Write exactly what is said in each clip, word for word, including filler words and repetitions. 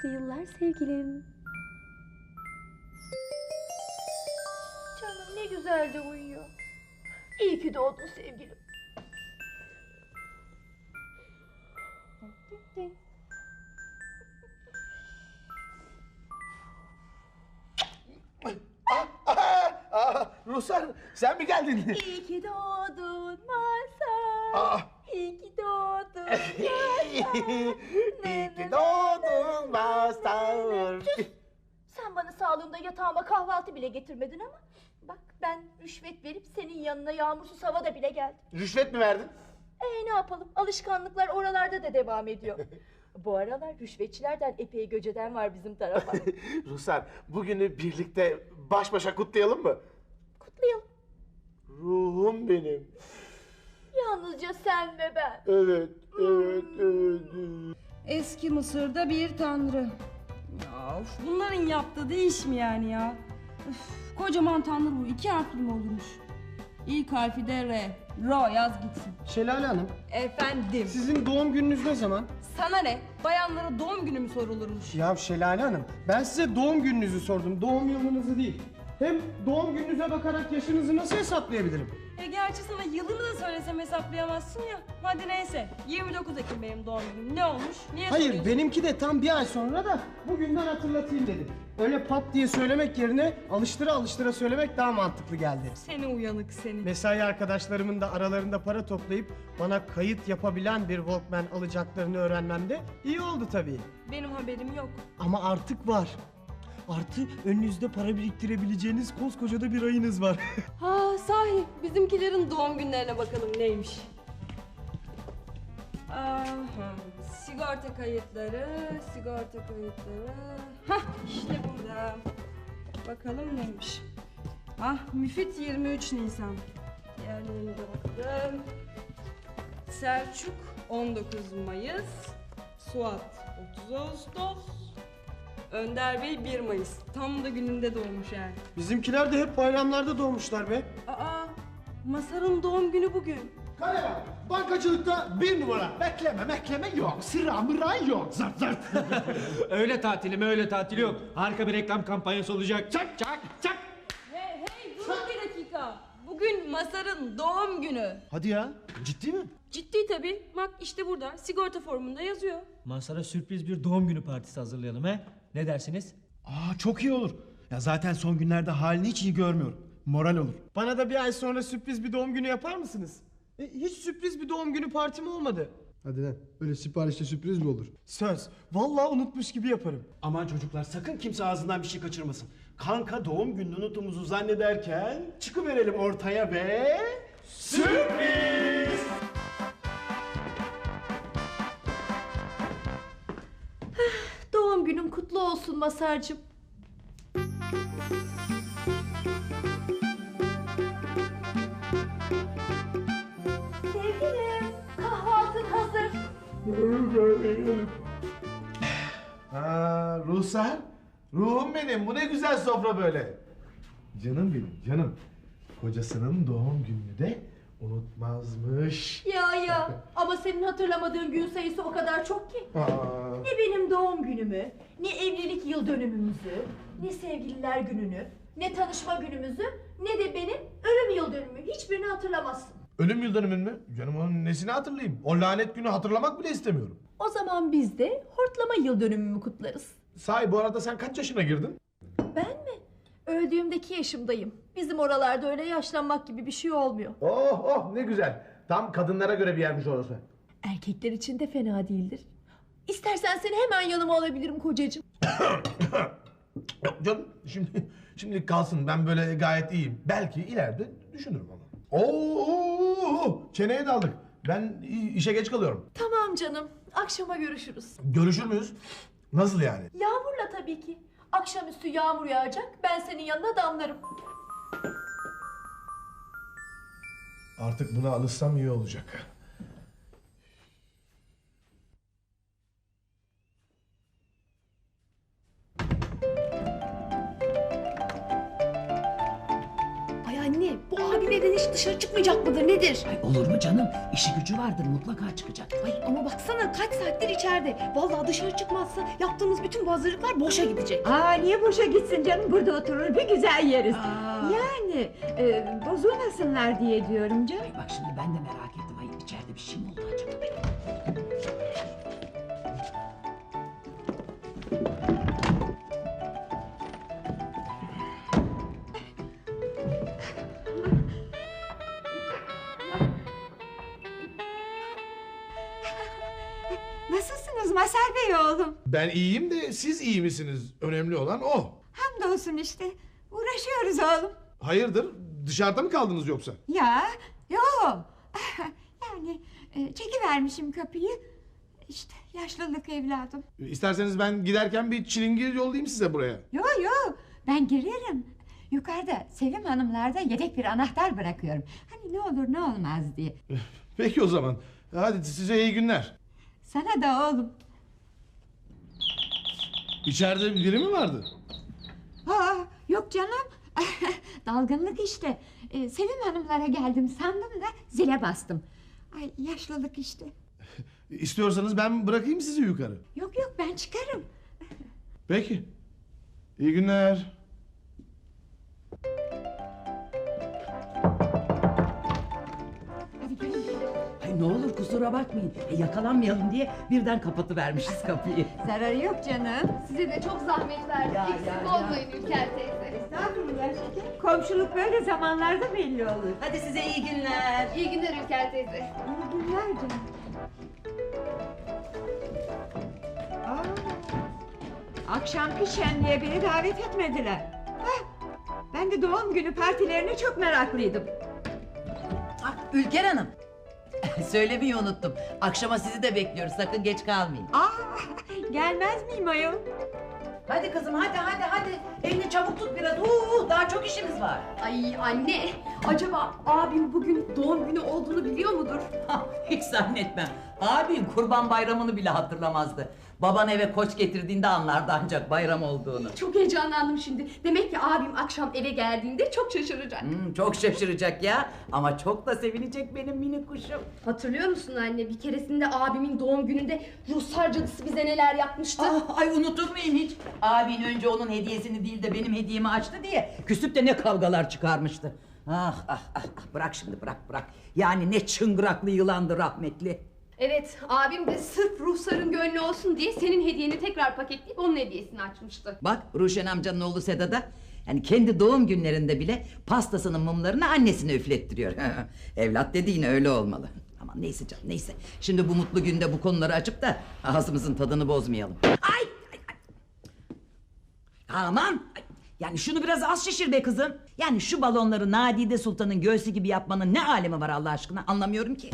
mutlu yıllar sevgilim. Canım ne güzel de uyuyor. İyi ki doğdun sevgilim. Ah, ah, ah, Ruhsar, sen mi geldin? İyi ki doğdun Mazhar. Ah. İyi ki doğdun Mazhar. İyi ki doğdun Mazhar. Sen bana sağlığımda yatağıma kahvaltı bile getirmedin ama bak ben rüşvet verip senin yanına yağmursuz havada bile geldim. Rüşvet mi verdin? Ee ne yapalım, alışkanlıklar oralarda da devam ediyor. Bu aralar rüşvetçilerden epey göceden var bizim tarafa. Ruhsar, bugünü birlikte baş başa kutlayalım mı? Kutlayalım. Ruhum benim. Yalnızca sen ve ben. Evet, evet, evet. evet. Eski Mısır'da bir tanrı. Ya of, bunların yaptığı da iş mi yani ya? Üf, kocaman tanrı bu. İki harfli mi olurmuş? İlk harfi de R. Ro yaz gitsin. Şelale Hanım, Efendim. sizin doğum gününüz ne zaman? Sana ne? Bayanlara doğum günü mü sorulurmuş? Ya Şelale Hanım, ben size doğum gününüzü sordum, doğum yılınızı değil. Hem doğum gününüze bakarak yaşınızı nasıl hesaplayabilirim? E gerçi sana yılını da söylesem hesaplayamazsın ya. Hadi neyse. yirmi dokuz Ekim benim doğum günüm. Ne olmuş? Niye Hayır, soruyorsun? benimki de tam bir ay sonra da bugünden hatırlatayım dedim. Öyle pat diye söylemek yerine alıştıra alıştıra söylemek daha mantıklı geldi. Seni uyanık seni. Mesai arkadaşlarımın da aralarında para toplayıp bana kayıt yapabilen bir Walkman alacaklarını öğrenmemde iyi oldu tabii. Benim haberim yok. Ama artık var. Artı önünüzde para biriktirebileceğiniz koskoca da bir ayınız var. Ha sahi bizimkilerin doğum günlerine bakalım neymiş. Aha, sigorta kayıtları, sigorta kayıtları. Hah işte burada. Bakalım neymiş. Ah Müfit yirmi üç Nisan. Diğerlerine de bakalım. Selçuk on dokuz Mayıs. Suat otuz Ağustos. Önder Bey bir Mayıs. Tam da gününde doğmuş yani. Bizimkiler de hep bayramlarda doğmuşlar be. Aa, Masar'ın doğum günü bugün. Kale var. Bankacılıkta bir numara. Bekleme mekleme yok. Sıra mıra yok. Zart zart. Öyle tatili mi öyle tatili yok. Harika bir reklam kampanyası olacak. Çak çak çak. Hey hey durun bir dakika. Bugün Masar'ın doğum günü. Hadi ya. Ciddi mi? Ciddi tabii. Bak işte burada sigorta formunda yazıyor. Mazhar'a sürpriz bir doğum günü partisi hazırlayalım he. Ne dersiniz? Aa çok iyi olur. Ya zaten son günlerde halini hiç iyi görmüyorum. Moral olur. Bana da bir ay sonra sürpriz bir doğum günü yapar mısınız? E, hiç sürpriz bir doğum günü partim olmadı. Hadi lan. Öyle siparişte sürpriz mi olur? Söz. Vallahi unutmuş gibi yaparım. Aman çocuklar sakın kimse ağzından bir şey kaçırmasın. Kanka doğum gününü unuttuğumuzu zannederken çıkıverelim ortaya ve... Sürpriz! Doğum günün kutlu olsun Masar'cığım. Sevgilim, kahvaltın hazır. Ha, Ruhsar, ruhum benim. Bu ne güzel sofra böyle. Canım benim, canım. Kocasının doğum gününü de unutmazmış. Ya ya, ama senin hatırlamadığın gün sayısı o kadar çok ki. Aa, Ne benim doğum günümü, ne evlilik yıl dönümümüzü, ne sevgililer gününü, ne tanışma günümüzü, ne de benim ölüm yıl dönümümü. Hiçbirini hatırlamazsın. ölüm yıl dönümün mü? Canım onun nesini hatırlayayım? O lanet günü hatırlamak bile istemiyorum. O zaman biz de hortlama yıl dönümümü kutlarız. Sahi bu arada sen kaç yaşına girdin? Ben mi? Öldüğümdeki yaşımdayım. Bizim oralarda öyle yaşlanmak gibi bir şey olmuyor. Oh oh ne güzel. Tam kadınlara göre bir yermiş orası. Erkekler için de fena değildir. İstersen seni hemen yanıma alabilirim kocacığım. Yok canım şimdi şimdi kalsın, ben böyle gayet iyiyim. Belki ileride düşünürüm ama. Oo, çeneye daldık. Ben işe geç kalıyorum. Tamam canım. Akşama görüşürüz. Görüşür müyüz? Nasıl yani? Yağmurla tabii ki. Akşamüstü yağmur yağacak. Ben senin yanına damlarım. Artık buna alışsam iyi olacak. Ay anne, bu abime anneden hiç dışarı çıkmayacak mıdır nedir? Ay olur mu canım? İşi gücü vardır, mutlaka çıkacak. Ay ama baksana kaç saattir içeride. Vallahi dışarı çıkmazsa yaptığımız bütün bu hazırlıklar boşa gidecek. Aa niye boşa gitsin canım? Burada oturur bir güzel yeriz. Aa. Yani e, bozulmasınlar diye diyorum canım. Ay bak şimdi ben de merak ettim. Ay içeride bir şey mi oldu acaba? Nasılsınız Mazhar Bey oğlum? Ben iyiyim de siz iyi misiniz? Önemli olan o. Hamdolsun işte. Uğraşıyoruz oğlum. Hayırdır? Dışarıda mı kaldınız yoksa? Ya, yo. Yani e, çekivermişim kapıyı. İşte yaşlılık evladım. İsterseniz ben giderken bir çilingir yollayayım size buraya. Yo yo, ben girerim. Yukarıda Sevim Hanımlarda yedek bir anahtar bırakıyorum. Hani ne olur ne olmaz diye. Peki o zaman. Hadi size iyi günler. Sana da oğlum. İçeride biri mi vardı? Aa, yok canım. Dalgınlık işte. Ee, Sevim Hanımlara geldim sandım da zile bastım. Ay yaşlılık işte. İstiyorsanız ben bırakayım sizi yukarı. Yok yok ben çıkarım. Peki. İyi günler. Hadi gelin gelin. Ay ne olur kusura bakmayın. E, yakalanmayalım diye birden kapatıvermişiz kapıyı. Zararı yok canım. Size de çok zahmet verdik. Ya, Eksik ya, ya. olmayın Ülker teyze. Estağfurullah şeker. Komşuluk böyle zamanlarda belli olur. Hadi size iyi günler. İyi günler Ülker teyze. İyi günler canım. Aa, akşamki şenliğe beni davet etmediler. Hah, ben de doğum günü partilerine çok meraklıydım. Ah, Ülker Hanım. Söylemeyi unuttum. Akşama sizi de bekliyoruz. Sakın geç kalmayın. Aa, gelmez miyim ayol? Hadi kızım hadi hadi hadi. Elini çabuk tut biraz. Uuu daha çok işimiz var. Ay anne, acaba abim bugün doğum günü olduğunu biliyor mudur? Hah, hiç zannetmem. Abim kurban bayramını bile hatırlamazdı. Baban eve koç getirdiğinde anlardı ancak bayram olduğunu. Çok heyecanlandım şimdi. Demek ki abim akşam eve geldiğinde çok şaşıracak. Hmm, çok şaşıracak ya. Ama çok da sevinecek benim minik kuşum. Hatırlıyor musun anne? Bir keresinde abimin doğum gününde Ruslar cadısı bize neler yapmıştı? Ah, ay unutur muyum hiç? Abin önce onun hediyesini değil de benim hediyemi açtı diye küsüp de ne kavgalar çıkarmıştı. Ah ah ah ah, bırak şimdi bırak bırak. Yani ne çıngıraklı yılandı rahmetli. Evet, abim de sırf Rusların gönlü olsun diye senin hediyeni tekrar paketleyip onun hediyesini açmıştı. Bak Ruşen amcanın oğlu Sedat'a yani kendi doğum günlerinde bile pastasının mumlarını annesine üflettiriyor. Evlat dediğin öyle olmalı. Ama neyse canım neyse. Şimdi bu mutlu günde bu konuları açıp da ağzımızın tadını bozmayalım. Ay! ay, ay. Aman! Ay, yani şunu biraz az şişir be kızım. Yani şu balonları Nadide Sultan'ın göğsü gibi yapmanın ne alemi var Allah aşkına anlamıyorum ki.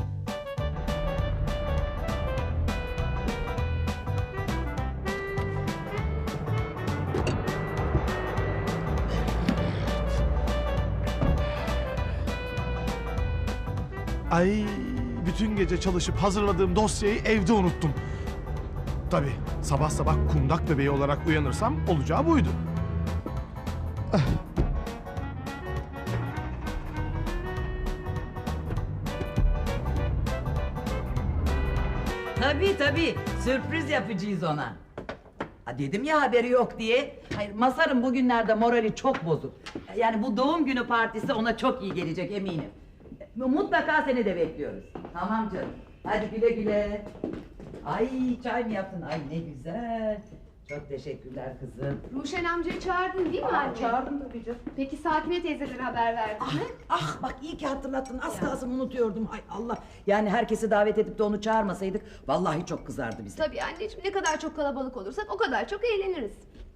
Ay bütün gece çalışıp hazırladığım dosyayı evde unuttum. Tabii sabah sabah kundak bebeği olarak uyanırsam olacağı buydu. Tabii tabii sürpriz yapacağız ona. Ha, dedim ya haberi yok diye. Hayır Mazhar'ın bugünlerde morali çok bozuk. Yani bu doğum günü partisi ona çok iyi gelecek eminim. Mutlaka seni de bekliyoruz. Tamam canım. Hadi güle güle. Ay çay mı yaptın? Ay ne güzel. Çok teşekkürler kızım. Ruşen amcayı çağırdın değil mi Aa, anne? çağırdım tabii canım. Peki Sakine teyzelere haber verdin Ah, mi? ah bak iyi ki hatırlattın. Az kalsın unutuyordum. Ay Allah. Yani herkesi davet edip de onu çağırmasaydık vallahi çok kızardı bize. Tabii anneciğim, ne kadar çok kalabalık olursak o kadar çok eğleniriz.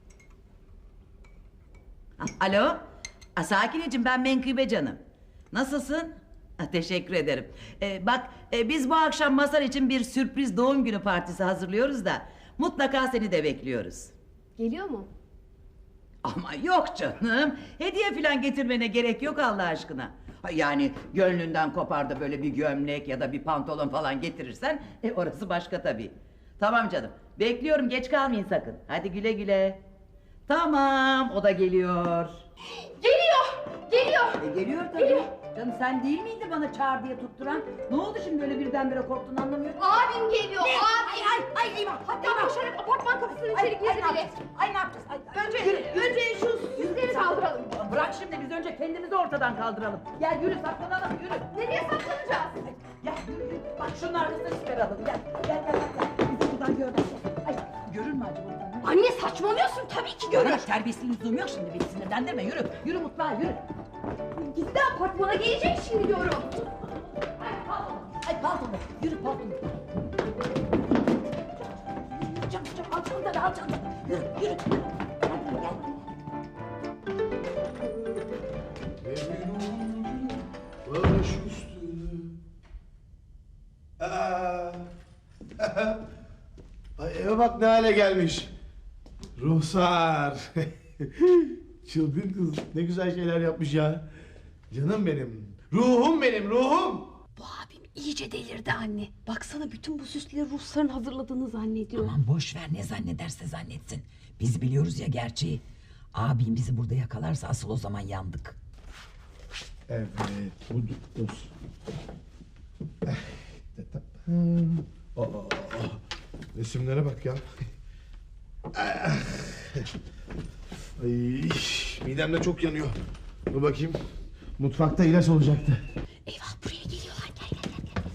Ah, alo. Ah, Sakineciğim ben Menkıbe canım. Nasılsın? Ah, teşekkür ederim. Ee, bak e, biz bu akşam Mazhar için bir sürpriz doğum günü partisi hazırlıyoruz da mutlaka seni de bekliyoruz. Geliyor mu? Ama yok canım. Hediye falan getirmene gerek yok Allah aşkına. Ha, yani gönlünden kopar da böyle bir gömlek ya da bir pantolon falan getirirsen e, orası başka tabii. Tamam canım. Bekliyorum geç kalmayın sakın. Hadi güle güle. Tamam o da geliyor. Geliyor! Geliyor! E, geliyor tabii. Geliyor! Canım sen değil miydi bana çağır diye tutturan? Ne oldu şimdi böyle birdenbire korktun anlamıyorum. Abim geliyor. Ne? Abim. Ay ay ay eyvah. Hatta eyvah. koşarak apartman kapısının Ay, içeri ay, girdi ne bile. yapacağız? Ay ne yapacağız? Ay, ay, Önce, yürü, yürü. önce şu yüzleri kaldıralım. Bırak şimdi biz önce kendimizi ortadan kaldıralım. Gel yürü saklanalım yürü. Nereye saklanacağız? Ay, gel yürü yürü. Bak şunun arkasına çıkaralım. Gel gel gel gel. Bizi buradan görmezler. Ay görür mü acaba buradan? Anne saçmalıyorsun tabii ki görür. Görür. Terbiyesinin lüzumu yok şimdi. Beni sinirlendirme yürü. Yürü mutfağa yürü. Gitti apartmana gelecek şimdi diyorum. Ay paltonu. Ay paltonu. Yürü paltonu. Çabuk çabuk al çantanı al çantanı. Yürü yürü. yürü. Hadi gel. Baş üstüne. Aa. Ay eve bak ne hale gelmiş. Ruhsar. Çılgın kız. Ne güzel şeyler yapmış ya. Canım benim. Ruhum benim ruhum. Bu abim iyice delirdi anne. Baksana bütün bu süsleri Rusların hazırladığını zannediyor. Aman boş ver ne zannederse zannetsin. Biz biliyoruz ya gerçeği. Abim bizi burada yakalarsa asıl o zaman yandık. Evet. Bu dur. Aa, resimlere bak ya. Ay, midem de çok yanıyor. Dur bakayım. Mutfakta ilaç olacaktı. Eyvah buraya geliyorlar. Gel gel gel. gel.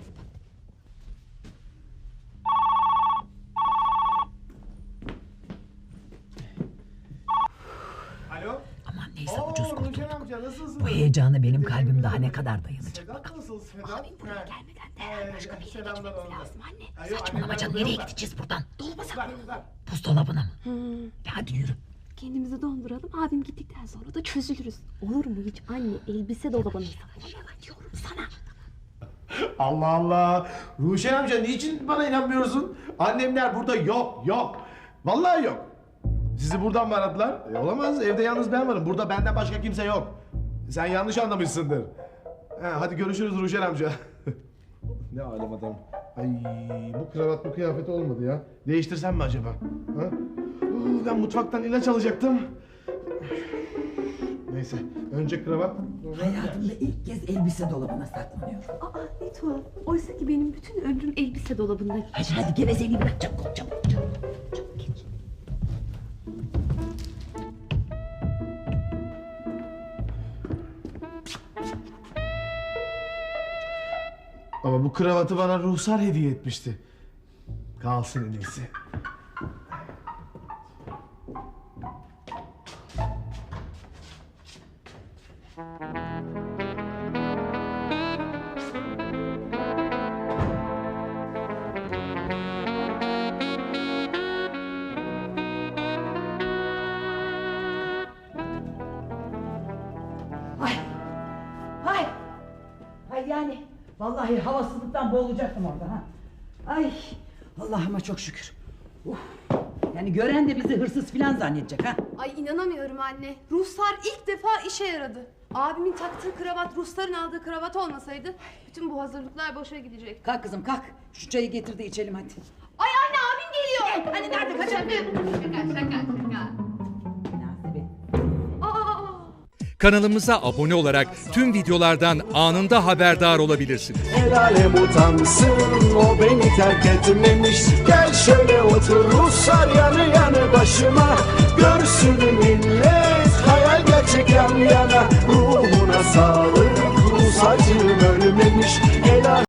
Alo? Aman neyse Oo, ucuz kurtulduk. Nurcan amca nasılsın? Bu heyecana benim kalbim daha ne kadar dayanacak. Sedat nasıl Sedat? Abim buraya gelmeden derhal başka bir yere Selamlar gitmemiz ona. lazım anne. Ay, yok, Saçmalama annemler canım burada nereye yok da. gideceğiz buradan? Dolaba Ver, saklanalım. ver. Buzdolabına mı? Hı. E hadi yürü. Kendimizi donduralım. Abim gittikten sonra da çözülürüz. Olur mu hiç anne? Elbise dolabına saklanalım diyorum sana. Allah Allah. Ruşen amca niçin bana inanmıyorsun? Annemler burada yok yok. Vallahi yok. Sizi buradan mı aradılar? E, olamaz evde yalnız ben varım. Burada benden başka kimse yok. Sen yanlış anlamışsındır. He, hadi görüşürüz Ruşen amca. Ne alem adam. Ay bu kravat bu kıyafet olmadı ya. Değiştirsem mi acaba? Ha? Uu, ben mutfaktan ilaç alacaktım. Neyse önce kravat. sonra ilaç. Hayatımda ilk kez elbise dolabına saklanıyorum. Aa ne tuhaf. Oysa ki benim bütün ömrüm elbise dolabında. Hadi hadi gevezeliği bırak çabuk ol, çabuk çabuk. Çabuk geç. Ama bu kravatı bana Ruhsar hediye etmişti. Kalsın en iyisi. Ay. Ay. Ay yani vallahi havasızlıktan boğulacaktım orada ha. Ay. Allah'ıma çok şükür. Uf. Yani gören de bizi hırsız filan zannedecek ha. Ay inanamıyorum anne. Ruhsar ilk defa işe yaradı. Abimin taktığı kravat Rusların aldığı kravat olmasaydı bütün bu hazırlıklar boşa gidecek. Kalk kızım kalk. Şu çayı getir de içelim hadi. Ay anne abim geliyor. Hani nerede kaçırdın? Şaka şaka şaka. Münasebet. Aa. Kanalımıza abone olarak tüm videolardan anında haberdar olabilirsiniz. El alem utansın o beni terk etmemiş. Gel şöyle otur Ruslar yanı yanı başıma. Görsün millet hayal gerçek yan yana. Ruhuna sağlık Rus acım ölmemiş. El alem